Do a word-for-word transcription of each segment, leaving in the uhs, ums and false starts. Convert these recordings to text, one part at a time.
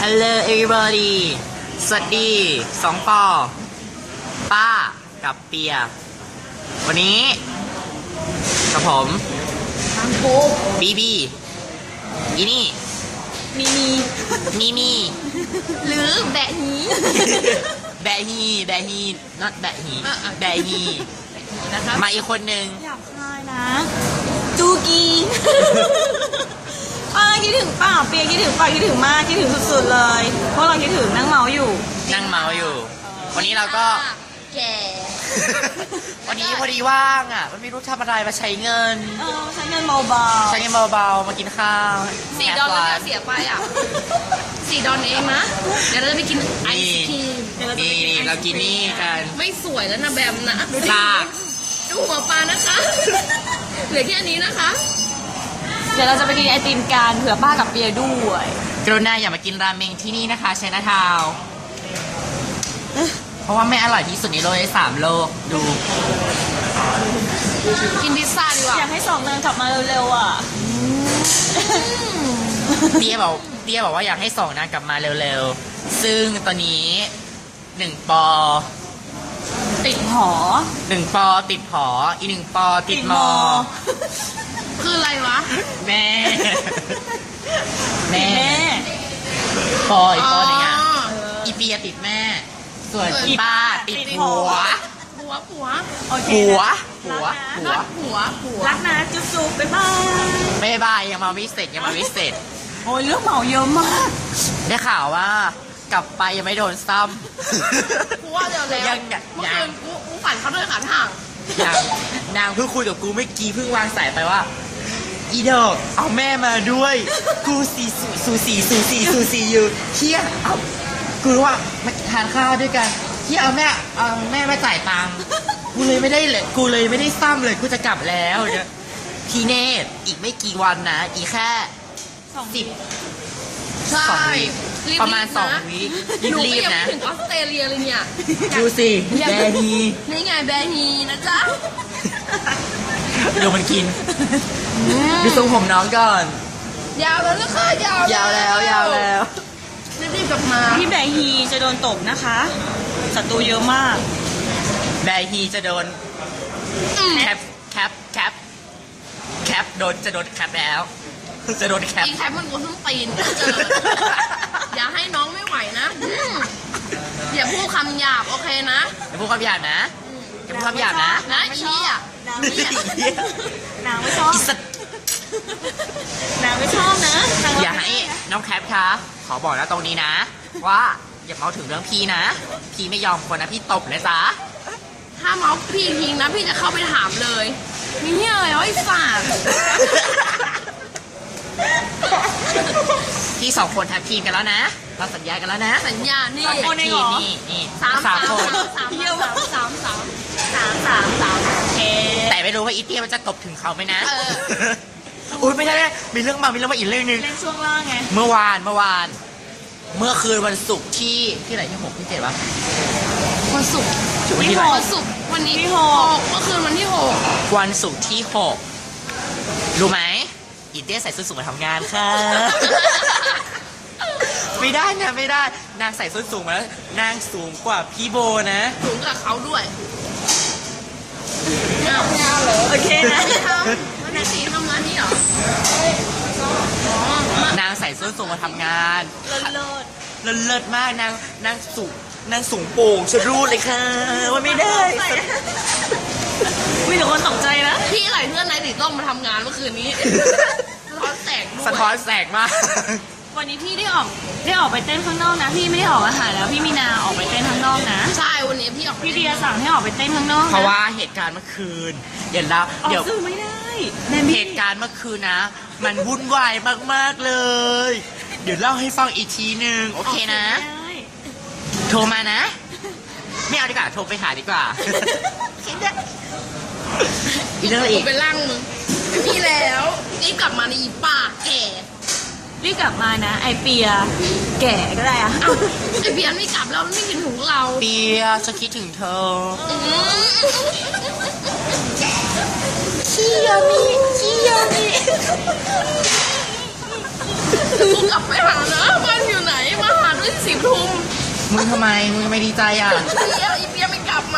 Hello everybody สวัสดีสองปอป้ากับเปียวันนี้กับผมบีบีอีนี่มีมีมีมีหรือแบะฮีแบะฮีแบะฮี not แบะฮีแบะฮีนะคะมาอีกคนหนึ่งอยากคายนะจูกีป้าคิดถึงป้าเปียคิดถึงป้าคิดถึงมากคิดถึงสุดๆเลยเพราะเราคิดถึงนั่งเมาอยู่นั่งเมาอยู่วันนี้เราก็แก่วันนี้พอดีว่างอ่ะมันไม่รู้ทำอะไรมาใช้เงินเออใช้เงินเบาๆใช้เงินเบาๆมากินข้าวสี่ดอลลาร์เสียไปอ่ะสี่ดอลเองนะเดี๋ยวเราจะไปกินไอศครีมนี่เรากินนี่กันไม่สวยแล้วนะแบมนะดูดิดูหัวปลานะคะเหลือแค่นี้นะคะเดี๋ยวเราจะไปกินไอติมกันเผื่อป้ากับเปียด้วยกรุณาอย่ามากินราเมงที่นี่นะคะไชน่าทาวน์เพราะว่าไม่อร่อยที่สุดในโลกในสามโลกดูกินพิซซ่าดีกว่าอยากให้สองนางกลับมาเร็วๆอ่ะเตี้ยบอกเตี้ยบอกว่าอยากให้สองนางกลับมาเร็วๆซึ่งตอนนี้หนึ่งปอติดหอหนึ่งปอติดหออีกหนึ่งปอติดมอคืออะไรวะแม่แม่ปออีกปอหนึ่งอ่ะอีเปียติดแม่ส่วนอีป้าติดหัวหัวหัวหัวหัวหัวหัวหัวรักนะจุ๊บจุ๊บบ๊ายบายบ๊ายบายยังมาไม่เสร็จยังมาไม่เสร็จโอ้ยเรื่องเมาเยอะมากได้ข่าวว่ากลับไปยังไม่โดนซ้ำกูว่าเดี๋ยวแล้วเมื่อคืนกูกูฝันเขาด้วยขาทางนางนางเพิ่งคุยกับกูเมื่อกี้เพิ่งวางสายไปว่าอีดอกเอาแม่มาด้วยกูสีสูสีสูสีสูสีอยู่เที่ยเอากูรู้ว่ามาทานข้าวด้วยกันที่เอาแม่เอาแม่มาจ่ายตังค์กูเลยไม่ได้เลยกูเลยไม่ได้ซ้ำเลยกูจะกลับแล้วเนี่ยพี่เนตอีกไม่กี่วันนะอีกแค่สิบใช่ประมาณสองวิรีบๆนะถึงออสเตรเลียเลยเนี่ยดูสิแบฮีนี่ไงแบฮีนะจ๊ะดูมันกินดูทรงผมน้องก่อนยาวแล้วนะคะยาวยาวแล้วยาวแล้วรีบๆกลับมาพี่แบฮีจะโดนตบนะคะศัตรูเยอะมากแบฮีจะโดนแคปแคปแคปแคปโดนจะโดนแคปแล้วจะโดนแคปอีแคปมันกูต้องตีนอย่าให้น้องไม่ไหวนะอย่าพูดคำหยาบโอเคนะอย่าพูดคำหยาบนะอย่าพูดคำหยาบนะนะชี้อ่ะนางไม่ชอบนางไม่ชอบนะอย่าให้น้องแคปคะขอบอกนะตรงนี้นะว่าอย่าเมาถึงเรื่องพี่นะพี่ไม่ยอมคนนะพี่ตบเลยจ้าถ้าเมาพี่ทิ้งนะพี่จะเข้าไปถามเลยมีเหี้ยอะไรวะไอ้สัตว์พี่สองคนทักทีมกันแล้วนะเราสัญญากันแล้วนะสัญญานี่นี่นี่นี่สามสามคนสามสามสามสามสามสามสามเแต่ไม่รู้ว่าอีเตี้ยมันจะตบถึงเขาไหมนะอุ้ยไม่ได้มีเรื่องมามีเรื่องมาอีกเรื่องนึงเล่นช่วงล่างไงเมื่อวานเมื่อวานเมื่อคืนวันศุกร์ที่ที่ไหนที่หกที่เจ็ดวะวันศุกร์วันที่วันศุกร์วันนี้ที่หกเมื่อคืนวันที่หกวันศุกร์ที่หกรู้ไหมอีเตี้ยใส่ส้นสูงมาทำงานค่ะไม่ได้นะไม่ได้นางใส่ส้นสูงมาแล้วนางสูงกว่าพี่โบนะสูงกว่าเขาด้วยโอเคนะวันนี้สีทำร้านนี้เหรอนางใส่ส้นสูงมาทำงานเลิศเลิศเลิศเลิศมากนางนางสูงนางสูงโป่งชะรูดเลยค่ะว่าไม่ได้มีแต่คนตกใจนะพี่ไหลเพื่อนนายสีต้องมาทำงานเมื่อคืนนี้สะท้อนแสงสะท้อนแสงมากวันนี้พี่ได้ออกได้ออกไปเต้นข้างนอกนะพี่ไม่ได้ออกอาหารแล้วพี่มีนาออกไปเต้นข้างนอกนะใช่วันนี้พี่ออกพี่เดียสั่งให้ออกไปเต้นข้างนอกเพราะว่าเหตุการณ์เมื่อคืนเดี๋ยวเราเดี๋ยวซื้อไม่ได้เหตุการณ์เมื่อคืนนะมันวุ่นวายมากๆเลยเดี๋ยวเล่าให้ฟังอีกทีหนึ่งโอเคนะโทรมานะไม่เอาดีกว่าโทรไปหาดีกว่าอีเรื่องอะไรอีกไปล่างมึงพี่แล้วรีบกลับมาในอีป่าแก่รีบกลับมานะไอเปียแก่ก็ได้อะไอเปียไม่กลับแล้วไม่คิดถึงเราเปียจะคิดถึงเธอเชียมีเชียมีกูกลับไปหานะบ้านอยู่ไหนมามึงทำไมมึงไม่ดีใจอ่ะเปียอีเปียไม่กลับมา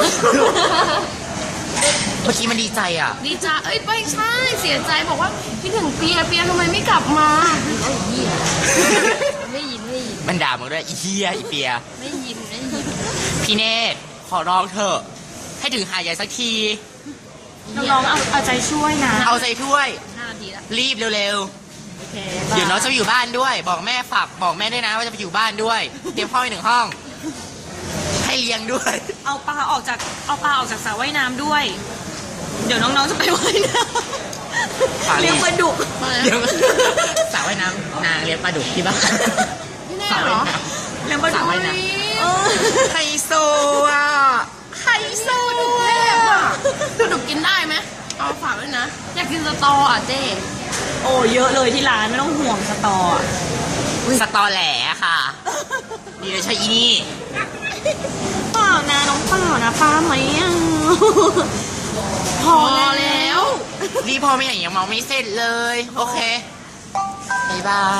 เมื่อกี้มันดีใจอ่ะดีจ้าเอ้ยไม่ใช่เสียใจบอกว่าพี่ถึงเปียเปียทำไมไม่กลับมาไอ้เหี้ยไม่ยินไม่ยินมันด่ามึงด้วยอีเฮียอีเปียไม่ยินไม่ยินพี่เนตรขอร้องเถอะ ให้ถึงหาดใหญ่สักทีน้องๆเอาเอาใจช่วยนะเอาใจถ้วยห้านาทีละรีบเร็วโอเคๆ เดี๋ยวน้องจะไปอยู่บ้านด้วย บอกแม่ฝากบอกแม่ด้วยนะว่าจะไปอยู่บ้านด้วย เตรียมห้องอีกหนึ่งห้อง ให้เลี้ยงด้วยเอาปลาออกจากเอาปลาออกจากสระว่ายน้ำด้วย เดี๋ยวน้องๆจะไปว่ายน้ปลาำเลี้เลี้ยยงงปลาดุกมาแล้วเดี๋ยวสระว่ายน้ำนางเลี้ยงปลาดุกที่บ้านพี่แน่สระเหรว่าอยน้เลี้ยงปลาสระดุกว่ายน้ำเออำไฮโซอ่ะไฮโซแม่ว่ะปลาดุกกินได้ไหมเอาฝากไว้นะ อยากกินสตออ่ะเจ๊โอ้เยอะเลยที่ร้านไม่ต้องห่วงสตออะสตอแหลค่ะดีเลยใช่อีนี่เปล่านะน้องเปล่านะป้าไหมอ่ะพพออแล้แล้ว วรีบพอไม่อย่างยังเมาไม่เสร็จเลย โอเคบ๊ายบาย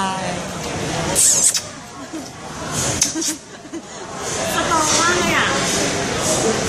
สตอมากเลยอ่ะ